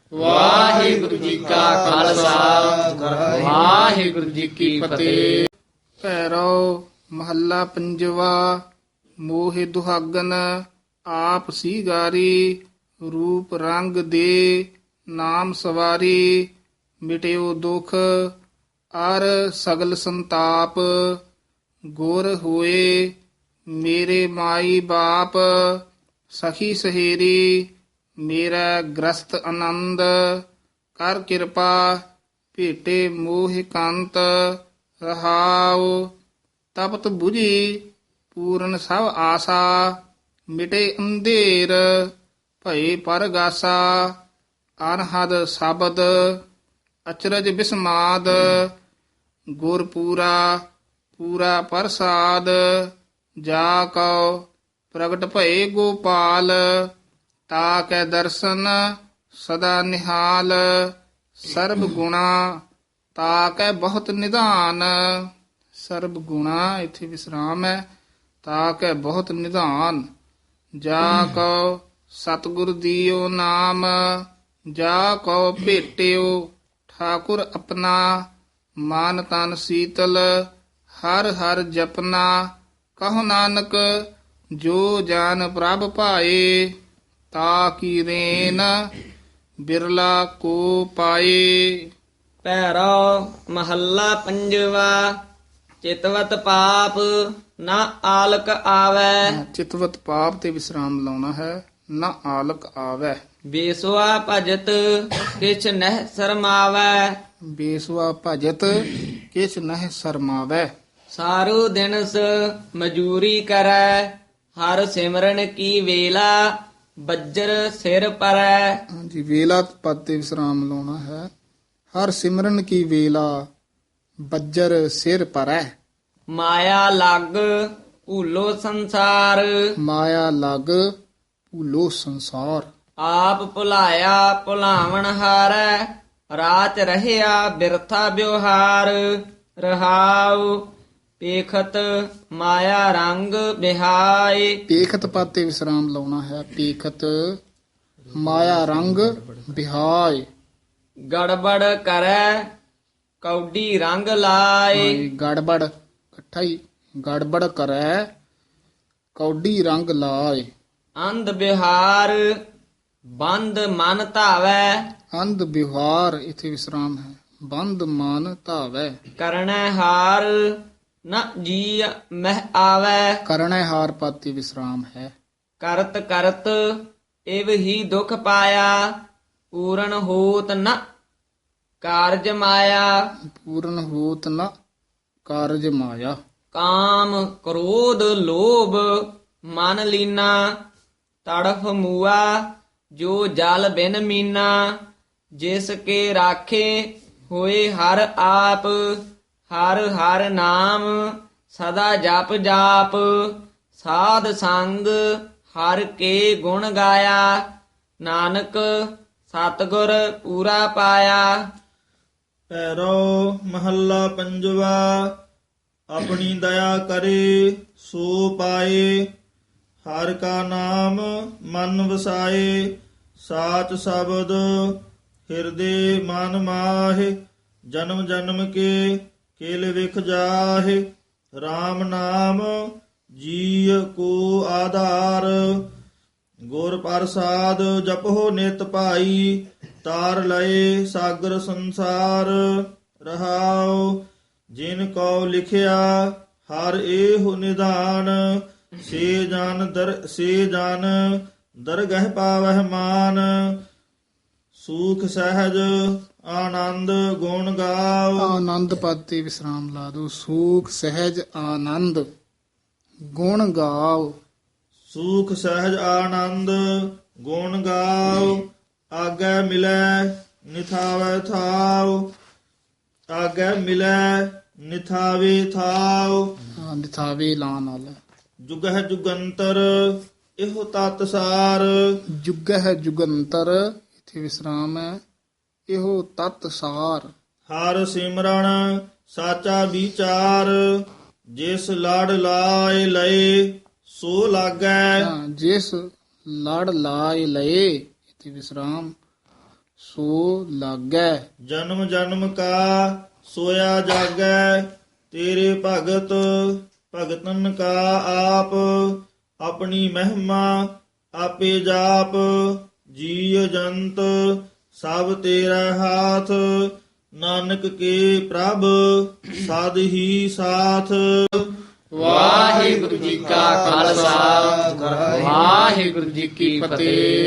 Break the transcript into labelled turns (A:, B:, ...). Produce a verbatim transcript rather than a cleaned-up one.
A: ਵਾਹਿਗੁਰੂ ਜੀ ਕਾ ਖਾਲਸਾ ਵਾਹਿਗੁਰੂ ਜੀ ਕੀ ਫਤਿਹ।
B: ਭੈਰੋ ਮਹੱਲਾ ਪੰਜਵਾ। ਮੋਹਿ ਦੁਹਾਗਨ ਆਪ ਸੀਗਾਰੀ, ਰੂਪ ਰੰਗ ਦੇ ਨਾਮ ਸਵਾਰੀ। ਮਿਟਿਓ ਦੁਖ ਅਰ ਸਗਲ ਸੰਤਾਪ, ਗੁਰ ਹੋਏ ਮੇਰੇ ਮਾਈ ਬਾਪ। ਸਖੀ ਸਹੇਰੀ ਮੇਰਾ ਗ੍ਰਸਤ ਆਨੰਦ, ਕਰ ਕਿਰਪਾ ਭੇਟੇ ਮੋਹਿ ਕੰਤ। ਰਹਾਉ ਤਪਤ ਬੁਝੀ ਪੂਰਨ ਸਭ ਆਸਾ, ਮਿਟੇ ਅੰਧੇਰ ਭਏ ਪਰਗਾਸਾ। ਅਨਹਦ ਸ਼ਬਦ ਅਚਰਜ ਬਿਸਮਾਦ, ਗੁਰ ਪੂਰਾ ਪੂਰਾ ਪ੍ਰਸਾਦ। ਜਾ ਕਉ ਪ੍ਰਗਟ ਭਏ ਗੋਪਾਲ, ਤਾ ਕੈ ਦਰਸ਼ਨ ਸਦਾ ਨਿਹਾਲ। ਸਰਬ ਗੁਣਾ ਤਾ ਕੈ ਬਹੁਤ ਨਿਧਾਨ। ਸਰਬ ਗੁਣਾ ਇੱਥੇ ਵਿਸਰਾਮ ਹੈ। ਤਾ ਕੈ ਬਹੁਤ ਨਿਧਾਨ। ਜਾ ਕਉ ਸਤਿਗੁਰ ਦੀਓ ਨਾਮ, ਜਾ ਕਉ ਭੇਟਿਓ ਠਾਕੁਰ ਆਪਣਾ। ਮਨ ਤਨ ਸੀਤਲ ਹਰ ਹਰ ਜਪਨਾ, ਕਹੋ ਨਾਨਕ ਜੋ ਜਾਨ ਪ੍ਰਭ ਭਾਏ। ਤਾ ਕੀ ਰੇਨ ਬਿਰਲਾ ਕੋ ਪਾਏ।
A: ਪੈਰੋ ਮਹੱਲਾ ਪੰਜਵਾ। ਚਿਤਵਤ ਪਾਪ ਨਾ ਆਲਕ ਆਵੈ,
B: ਚਿਤਵਤ ਪਾਪ ਤੇ ਵਿਸਰਾਮ ਲਾਉਣਾ ਹੈ। ਨਾ ਆਲਕ ਆਵੈ।
A: ਬੇਸੁਆ ਭਜਤ ਕਿਛ ਨਹਿ ਸ਼ਰਮਾਵੈ।
B: ਬੇਸਵਾ ਭਜਤ ਕਿਛ ਨਹਿ ਸ਼ਰਮਾਵੈ।
A: ਸਾਰੂ ਦਿਨਸ ਮਜੂਰੀ ਕਰੈ, ਹਰ ਸਿਮਰਨ ਕੀ ਵੇਲਾ ਬੱਜਰ ਸਿਰ ਪਰੈ।
B: ਹਾਂਜੀ, ਵੇਲਾ ਪਦ ਤੇ ਵਿਸਰਾਮ ਲਾਉਣਾ ਹੈ। ਹਰ ਸਿਮਰਨ ਕੀ ਵੇਲਾ ਬੱਜਰ ਸਿਰ ਪਰੈ।
A: ਮਾਇਆ ਲੱਗ ਭੂਲੋ ਸੰਸਾਰ,
B: ਮਾਇਆ ਲਗ ਭੂਲੋ ਸੰਸਾਰ।
A: ਆਪ ਭੁਲਾਇਆ ਭੁਲਾਵਣ ਹਾਰੈ, ਰਾਤ ਰਹਿਆ ਬਿਰਥਾ ਵਿਵਹਾਰ। ਰਹਾਉ ਪੇਖਤ ਮਾਇਆ ਰੰਗ ਬਿਹਾਏ।
B: ਪੇਖਤ ਪਦ ਤੇ ਵਿਸਰਾਮ ਲਾਉਣਾ ਹੈ। ਪੇਖਤ ਮਾਇਆ ਰੰਗ ਬਿਹਾਏ।
A: ਗੜਬੜ ਕਰੈ ਕੌਡੀ ਰੰਗ ਲਾਏ।
B: ਹਾਂਜੀ, ਗੜਬੜ ਇਕੱਠਾ ਹੀ। ਗੜਬੜ ਕਰੈ ਕੌਡੀ ਰੰਗ ਲਾਏ।
A: ਅੰਧ ਬਿਹਾਰ ਬੰਦ ਮਨ ਧਾਵੈ,
B: ਅੰਧ ਵਿਵਹਾਰ ਇਥੇ ਵਿਸਰਾਮ ਹੈ। ਬੰਦ ਮਨ ਧਾਵੈ।
A: ਕਰਣੈ ਹਾਰ ਨ ਜੀ ਮਹਿ ਆਵੈ।
B: ਕਰਣੈ ਹਾਰ ਪਦ ਤੇ ਵਿਸਰਾਮ ਹੈ।
A: ਕਰਤ ਕਰਤ ਇਵ ਹੀ ਦੁਖ ਪਾਇਆ, ਪੂਰਨ ਹੋਤ ਨ ਕਾਰਜ ਮਾਇਆ।
B: ਪੂਰਨ ਹੋਤ ਨ ਕਾਰਜ ਮਾਇਆ।
A: ਕਾਮ ਕ੍ਰੋਧ ਲੋਭ ਮਨ ਲੀਨਾ, ਤੜਫ ਮੂਆ ਜੋ ਜਲ ਬਿਨ ਮੀਨਾ। ਜਿਸ ਕੇ ਰਾਖੇ ਹੋਏ ਹਰ ਆਪ, ਹਰ ਹਰ ਨਾਮ ਸਦਾ ਜਪ ਜਾਪ। ਸਾਧ ਸੰਗ ਹਰ ਕੇ ਗੁਣ ਗਾਇਆ, ਨਾਨਕ ਸਤਿਗੁਰ ਪੂਰਾ ਪਾਇਆ।
C: ਪੈਰੋ ਮਹੱਲਾ ਪੰਜਵਾ। ਆਪਣੀ ਦਇਆ ਕਰੇ ਸੋ ਪਾਏ, ਹਰ ਕਾ ਨਾਮ ਮਨ ਵਸਾਏ। ਸਾਚ ਸ਼ਬਦ ਹਿਰਦੇ ਮਨ ਮਾਹਿ, ਜਨਮ ਜਨਮ ਕੇ ਕੇਲ ਵਿਖ ਜਾਹਿ। RAM ਨਾਮ ਜੀ ਕੋ ਆਧਾਰ, ਗੁਰ ਪ੍ਰਸਾਦ ਜਪੋ ਨਿਤ ਭਾਈ। ਤਾਰ ਲਏ ਸਾਗਰ ਸੰਸਾਰ। ਰਹਾਉ ਜਿਨ ਕਉ ਲਿਖਿਆ ਹਰ ਏਹੁ ਨਿਧਾਨ, ਸੇ ਜਨ ਦਰ ਸੇ ਜਨ ਦਰਗਹਿ ਪਾਵਹਿ ਮਾਨ। ਸੂਖ ਸਹਿਜ ਆਨੰਦ ਗੁਣ ਗਾਓ।
B: ਆਨੰਦ ਪਦ ਤੇ ਵਿਸਰਾਮ ਲਾ ਦੋ। ਸੂਖ ਸਹਿਜ ਆਨੰਦ ਗੁਣ ਗਾਓ।
C: ਸੂਖ ਸਹਿਜ ਆਨੰਦ ਗੁਣ ਗਾਓ। ਆਗੈ ਮਿਲੈ ਨਿਥਾਵੈ ਥਾਉ, ਆਗੈ ਮਿਲੈ ਨਿਥਾਵੇ ਥਾਉ।
B: ਹਾਂ, ਨਿਥਾਵੇ ਲਾ ਨਾਲ।
C: ਜੁਗਹਿ ਜੁਗੰਤਰ ਇਹੋ ਤਤ ਸਾਰ।
B: ਜੁਗ ਹੈ ਜੁਗੰਤਰ ਇਥੇ ਵਿਸਰਾਮ ਹੈ। ਇਹੋ ਤਤ ਸਾਰ।
C: ਹਰ ਸਿਮਰਨ ਸਾਚਾ ਵਿਚਾਰ, ਜਿਸ ਲੜ ਲਾਏ ਲਏ ਸੋ ਲਾਗੈ।
B: ਹਾਂ, ਜਿਸ ਲੜ ਲਾਇ ਲਏ ਇਥੇ ਵਿਸਰਾਮ। ਸੋ ਲਾਗੈ।
C: ਜਨਮ ਜਨਮ ਕਾ ਸੋਇਆ ਜਾਗੈ, ਤੇਰੇ ਭਗਤ ਭਗਤਨ ਕਾ ਆਪ, ਆਪਣੀ ਮਹਿਮਾ ਆਪੇ ਜਾਪ, ਜੀਵ ਜੰਤ ਸਭ ਤੇਰਾ ਹਾਥ, ਨਾਨਕ ਕੇ ਪ੍ਰਭ ਸਦ ਹੀ ਸਾਥ।
A: ਵਾਹਿਗੁਰੂ ਜੀ ਕਾ ਖਾਲਸਾ ਵਾਹਿਗੁਰੂ ਜੀ ਕੀ ਫਤਿਹ।